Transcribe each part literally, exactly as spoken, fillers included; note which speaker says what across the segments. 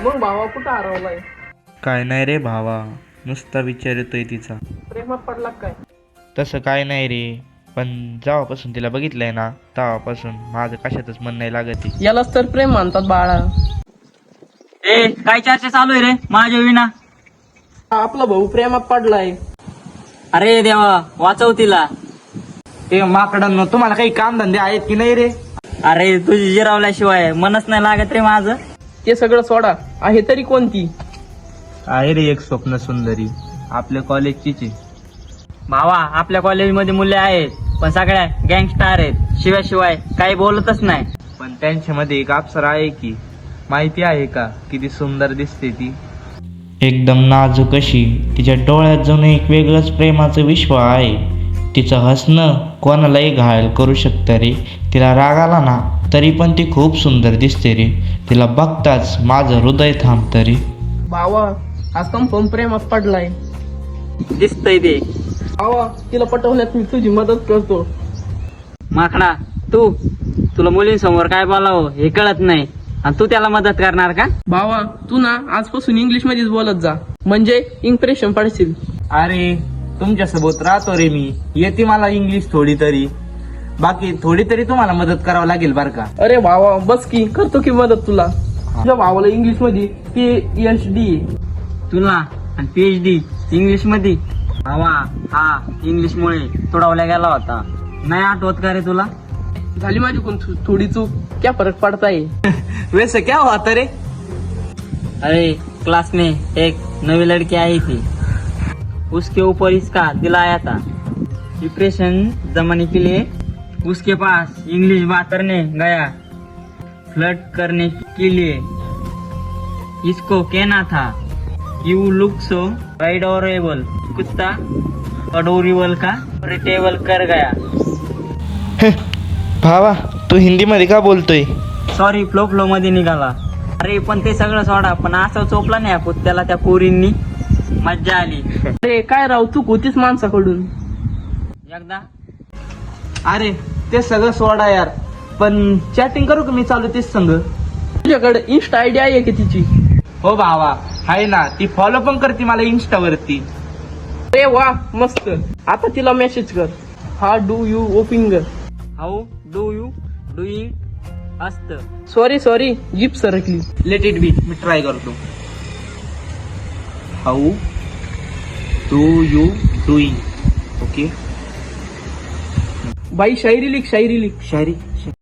Speaker 1: मग भावा कुठं हरवलाय?
Speaker 2: काय नाही रे भावा, नुसता विचार येतोय तिचा.
Speaker 1: प्रेमात पडला काय?
Speaker 2: तसं काय नाही रे, पण जेव्हापासून तिला बघितलंय ना तेव्हापासून माझं कशातच मन नाही लागत आहे.
Speaker 1: यालाच तर प्रेम म्हणतात बाळा.
Speaker 3: ए काय चर्चा चालू आहे रे माझ्या विना?
Speaker 1: हा आपला भाऊ प्रेमात पडलाय.
Speaker 3: अरे देवा वाचव तिला.
Speaker 2: ते माकडांनो, तुम्हाला काही काम धंदे आहेत की नाही रे?
Speaker 3: अरे तुझी जिरावल्याशिवाय मनच नाही लागत रे माझं.
Speaker 1: ते सगळं सोडा, आहे तरी कोणती?
Speaker 2: आहे रे एक स्वप्न सुंदरी, आपल्या कॉलेजचीच आहे.
Speaker 3: भावा आपल्या कॉलेजमध्ये मुले आहेत पण सगळ्या गँगस्टार आहेत, शिवाय काही बोलतच नाही.
Speaker 2: पण त्यांच्यामध्ये एक अप्सरा आहे की, माहिती आहे का किती सुंदर दिसते ती? एकदम नाजूक अशी, तिच्या डोळ्यात जणू एक वेगळंच प्रेमाचं विश्व आहे. तिचं हसणं कोणालाही घायल करू शकतं रे. तिला राग आला ना तरी पण ती खूप सुंदर दिसते रे. तिला बघताच माझं हृदय थांबतं रे.
Speaker 1: भावा हा संपून प्रेमात पडलाय.
Speaker 3: दिसतंय ते.
Speaker 1: भावा तिला पटवण्यात मी तुझी मदत करतो.
Speaker 3: माकडा तू, तुला मुलींसमोर काय बोलावं हे कळत नाही आणि तू त्याला मदत करणार का?
Speaker 1: भावा तू ना आजपासून इंग्लिश मध्येच बोलत जा, म्हणजे इम्प्रेशन पडशील.
Speaker 2: अरे तुमच्यासोबत राहतो रे मी, येते मला इंग्लिश थोडी तरी, बाकी थोडी तरी तुम्हाला मदत करावं लागेल बर का?
Speaker 1: अरे भावा बस की, करतो की मदत तुला. तुझ्या भावाला इंग्लिश मध्ये पी एच डी.
Speaker 3: तुला आणि पीएचडी इंग्लिश मध्ये? भावा हा इंग्लिश मुळे तुडवला गेला होता, नाही आठवत का रे तुला?
Speaker 1: झाली माझी कोण थोडी चूक, क्या फरक पडता है?
Speaker 2: वैसे क्या होता रे?
Speaker 3: अरे क्लास में एक नवी लड़की आई थी, उसके ऊपर इसका दिल आया था. डिप्रेशन जमाने के लिए उसके पास इंग्लिश बात करने गया, फ्लर्ट करने के लिए. इसको कहना था यू लुक सो अडोरेबल. कुत्ता अडोरेबल का रिटेबल कर गया.
Speaker 2: भावा तू हिंदी मध्ये का बोलतोय?
Speaker 3: सॉरी फ्लो फ्लो मध्ये निघाला. अरे पण ते सगळं सोडा, पण असं चोपला नाही आपण त्याला त्या पोरींनी, मज्जा आली.
Speaker 1: अरे काय राव, चूक होतीच माणसाकडून.
Speaker 3: एकदा
Speaker 2: अरे ते सगळं सोडा यार, पण चॅटिंग करू का मी चालू तेच संग?
Speaker 1: तुझ्याकडे इन्स्टा आयडी आहे की तिची?
Speaker 2: हो भावा आहे ना, ती फॉलो पण करते मला इन्स्टा वरती.
Speaker 1: अरे वा मस्त. आता तिला मेसेज कर, हा do you hoping.
Speaker 3: How do you doing असत.
Speaker 1: सॉरी सॉरी जीप सरकली.
Speaker 2: लेट इट बी, मी ट्राय करतो. How do you doing. Okay
Speaker 1: bye शायरी लिख, शायरी लिख.
Speaker 2: शायरी.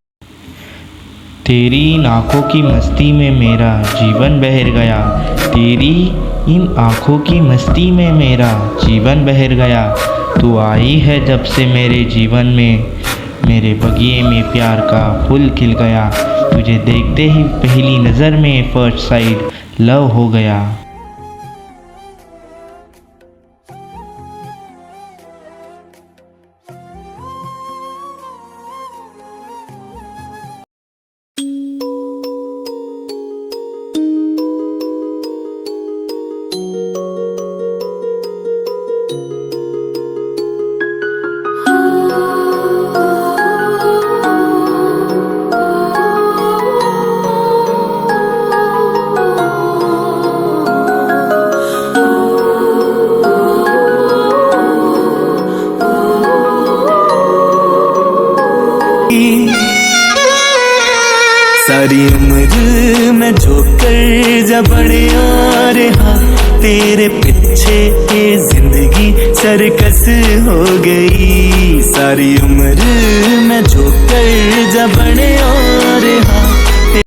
Speaker 2: तेरी इन आँखों की मस्ती में मेरा जीवन बहर गया, तेरी इन आँखों की मस्ती में मेरा जीवन बहर गया. तू आई है जब से मेरे जीवन में, मेरे बगिए में प्यार का फूल खिल गया. तुझे देखते ही पहली नज़र में फर्स्ट साइड लव हो गया.
Speaker 4: सारी उम्र मैं जो कर जा बड़े आ रहा, तेरे पीछे ये जिंदगी सरकस हो गई. सारी उम्र मैं जो कर जा बड़े आ रहा,